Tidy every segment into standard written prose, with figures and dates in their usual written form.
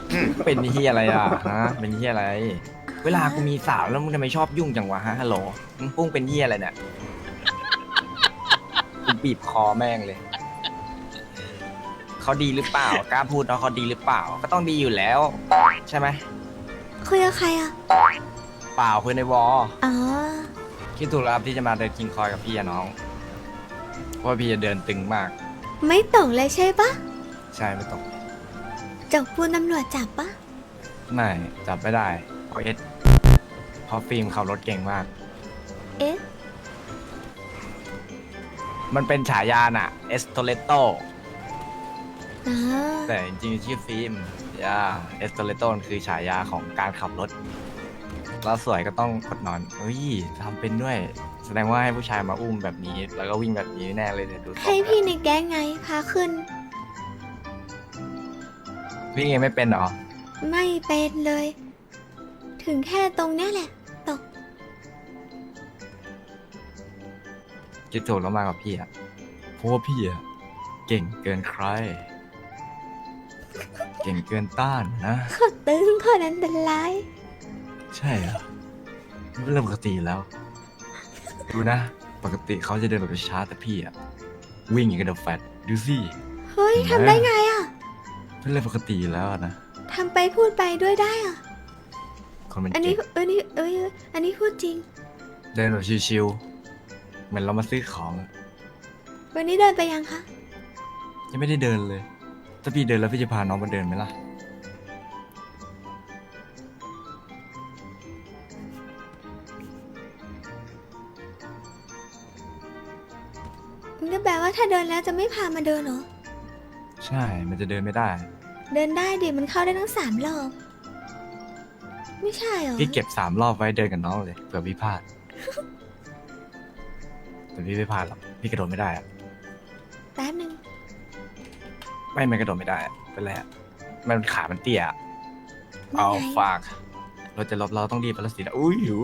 เป็นเฮียอะไรอ่ะฮะเป็นเฮียอะไรเวลากูมีสาวแล้วมึงทำไมชอบยุ่งจังวะฮะฮัลโหลมึงปุ้งเป็นเฮียอะไรเนี่ยกูบีบคอแม่งเลยเขาดีหรือเปล่ากล้าพูดเนาะเขาดีหรือเปล่าก็ต้องดีอยู่แล้วใช่ไหมคุยกับใครอ่ะเปล่าคุยในวอลอ๋อคิดถูกแล้วครับที่จะมาเดินคิงคอยกับพี่อะน้องเพราะว่าพี่จะเดินตึงมากไม่ตกเลยใช่ปะใช่ไม่ตกจกปูนตำรวจจับปะไม่จับไม่ได้เพราะเพราะฟิล์มขับรถเก่งมากเอ๊ะมันเป็นฉายาน่ะเอสโตเลโตอ๋อแต่จริงๆชื่อฟิล์มเอสโตเลโตคือฉายาของการขับรถแล้วสวยก็ต้องกดนอนเฮ้ยทำเป็นด้วย แสดงว่าให้ผู้ชายมาอุ้มแบบนี้ แล้วก็วิ่งแบบนี้แน่เลยเนี่ยดูทรงให้พี่ในแก๊งไง พาขึ้นวิ่งเองไม่เป็นเหรอไม่เป็นเลย ถึงแค่ตรงเนี้ยแหละ ตกคิดถูกแล้วมากับพี่อะเพราะว่าพี่อะเก่งเกินใคร เก่งเกินต้านนะขอตึงขออันตรายใช่เหรอเริ่มปกติแล้ว ดูนะ ปกติเขาจะเดินแบบช้าแต่พี่อะวิ่งอย่างกับเดอะแฟตดูสิเฮ้ยเห็นไหมทำได้ไงอ่ะเป็นเรื่องปกติแล้วอะนะทำไปพูดไปด้วยได้อ่ะคนมันอันเก่นี้งอันนี้พูดจริงเดินแบบชิวๆเหมือนเรามาซื้อของอะวันนี้เดินไปยังคะยังไม่ได้เดินเลย ถ้าพี่เดินแล้วพี่จะพาน้องมาเดินไหมล่ะมันก็แปลว่าถ้าเดินแล้วจะไม่พามาเดินเหรอใช่ มันจะเดินไม่ได้เดินได้ดิมันเข้าได้ทั้ง3 รอบ ไม่ใช่เหรอพี่เก็บ3 รอบไว้เดินกับน้องเลยเผื่อพี่พลาด แต่พี่ไม่พลาดหรอกพี่กระโดดไม่ได้อะแป๊บหนึ่งไม่กระโดดไม่ได้อะเป็นไรอะมันขามันเตี้ยอะนี่เอาไงฝากเราจะลบเราต้องรีบไปแล้วสินะอุ้ยหู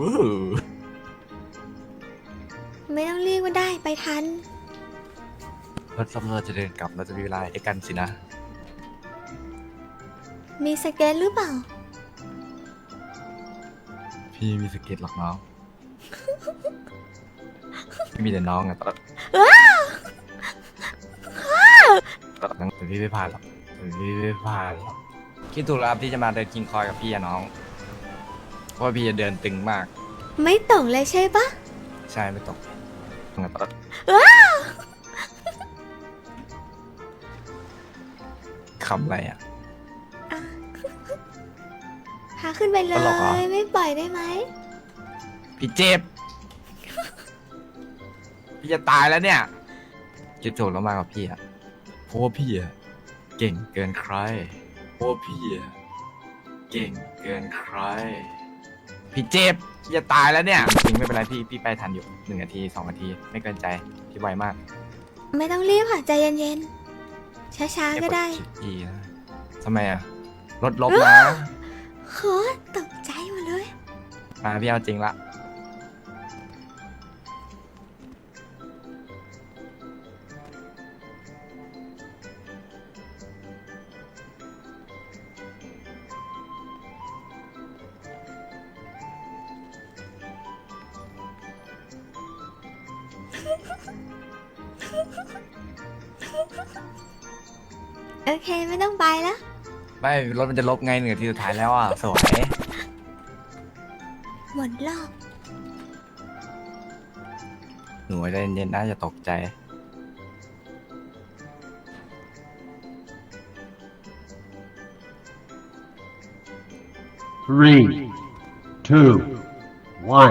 ไม่ต้องเรียกว่าได้ไปทันรถซับเราจะเดินกลับเราจะมีเวลาให้กันสินะมีสเก็ตหรือเปล่าพี่มีสเก็ตหรอกน้อง พี่มีแต่น้องอะตลอดนั้นแต่พี่ไม่พลาดหรอกแต่พี่ไม่พลาดหรอกคิดถูกแล้วครับที่จะมาเดินคิงคอยกับพี่อะน้อง เพราะว่าพี่จะเดินตึงมากไม่ตกเลยใช่ปะใช่ไม่ตกตลอดคำอะไรอะอ่ะ พาขึ้นไปเลตลกเหรอย ไม่ปล่อยได้ไหมพี่เจ็บ พี่จะตายแล้วเนี่ยคิดถูกแล้วมากับพี่อะเพราะว่าพี่อะเก่งเกินใครเพราะว่าพี่อะเก่งเกินใคร พี่เจ็บพี่จะตายแล้วเนี่ยจริงไม่เป็นไรพี่ไปทันอยู่1 นาที 2 นาทีไม่เกินใจพี่ไวมากไม่ต้องรีบค่ะใจเย็นๆ ช้าๆ ก็ได้เยวกชิปนะทำไมอะรถลบนะโคตรตกใจหมดเลยมาพี่เอาจริงละโอเคไม่ต้องไปแล้วไม่รถมันจะลบไง1 นาทีสุดท้ายแล้วอะสวยหมดรอบหนูใจเย็นๆน่าจะตกใจ 3, 2, 1.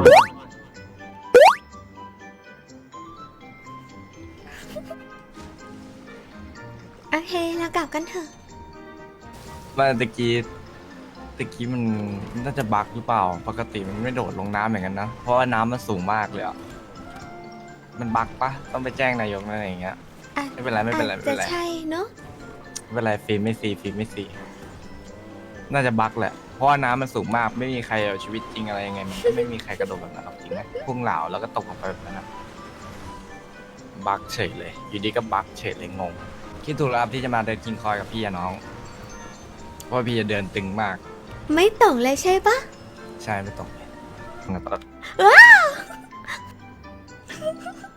โอเคเรากลับกันเถอะมาตะกี้มันน่าจะบั๊กหรือเปล่า ปกติมันไม่โดดลงน้ำอย่างนั้นนะ เพราะว่าน้ำมันสูงมากเลยอ่ะ มันบั๊กปะต้องไปแจ้งนายกอะไรอย่างเงี้ยอ่ะไม่เป็นไรไม่เป็นไรอาจไม่เป็จะนไรใช่เนาะไม่เป็นไรฟิล์มไม่ซีน่าจะบั๊กแหละ เพราะว่าน้ำมันสูงมากไม่มีใครเอาชีวิตจริงอะไรยังไงมันก็ไม่มีใครกระโดดแบบนั้นหรอกจริงไหมพุ่งเหลาแล้วก็ตกลงไปแบบนั้นอะบั๊กเฉยเลย อยู่ดีก็บั๊กเฉยเลยงง คิดถูกแล้วครับที่จะมาเดินคิงคอยกับพี่อะน้อง เพเพราะว่าพี่จะเดินตึงมากไม่ตกเลยใช่ปะใช่ไม่ตรงเลยงั้นตอนว้าว